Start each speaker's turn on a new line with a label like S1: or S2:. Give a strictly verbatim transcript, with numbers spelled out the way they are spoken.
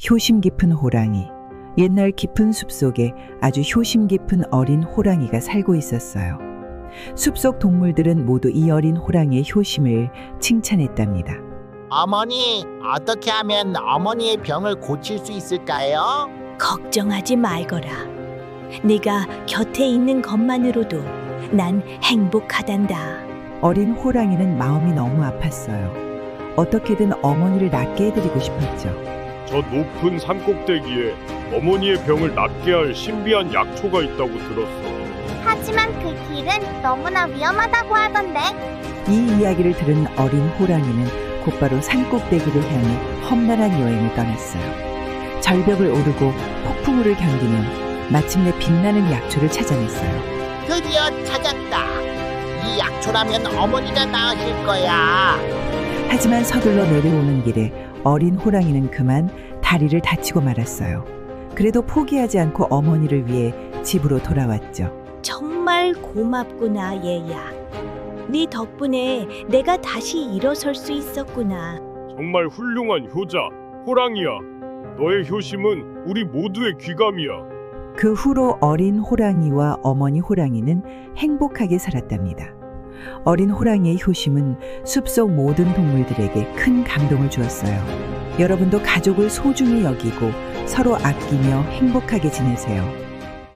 S1: 효심 깊은 호랑이. 옛날 깊은 숲속에 아주 효심 깊은 어린 호랑이가 살고 있었어요. 숲속 동물들은 모두 이 어린 호랑이의 효심을 칭찬했답니다.
S2: 어머니, 어떻게 하면 어머니의 병을 고칠 수 있을까요?
S3: 걱정하지 말거라. 네가 곁에 있는 것만으로도 난 행복하단다.
S1: 어린 호랑이는 마음이 너무 아팠어요. 어떻게든 어머니를 낫게 해드리고 싶었죠.
S4: 저 높은 산꼭대기에 어머니의 병을 낫게 할 신비한 약초가 있다고 들었어.
S5: 하지만 그 길은 너무나 위험하다고 하던데.
S1: 이 이야기를 들은 어린 호랑이는 곧바로 산꼭대기를 향해 험난한 여행을 떠났어요. 절벽을 오르고 폭풍우를 견디며 마침내 빛나는 약초를 찾아냈어요.
S2: 드디어 찾았다. 이 약초라면 어머니가 나으실 거야.
S1: 하지만 서둘러 내려오는 길에 어린 호랑이는 그만 다리를 다치고 말았어요. 그래도 포기하지 않고 어머니를 위해 집으로 돌아왔죠.
S3: 정말 고맙구나, 얘야. 네 덕분에 내가 다시 일어설 수 있었구나.
S4: 정말 훌륭한 효자, 호랑이야. 너의 효심은 우리 모두의 귀감이야.
S1: 그 후로 어린 호랑이와 어머니 호랑이는 행복하게 살았답니다. 어린 호랑이의 효심은 숲속 모든 동물들에게 큰 감동을 주었어요. 여러분도 가족을 소중히 여기고 서로 아끼며 행복하게 지내세요.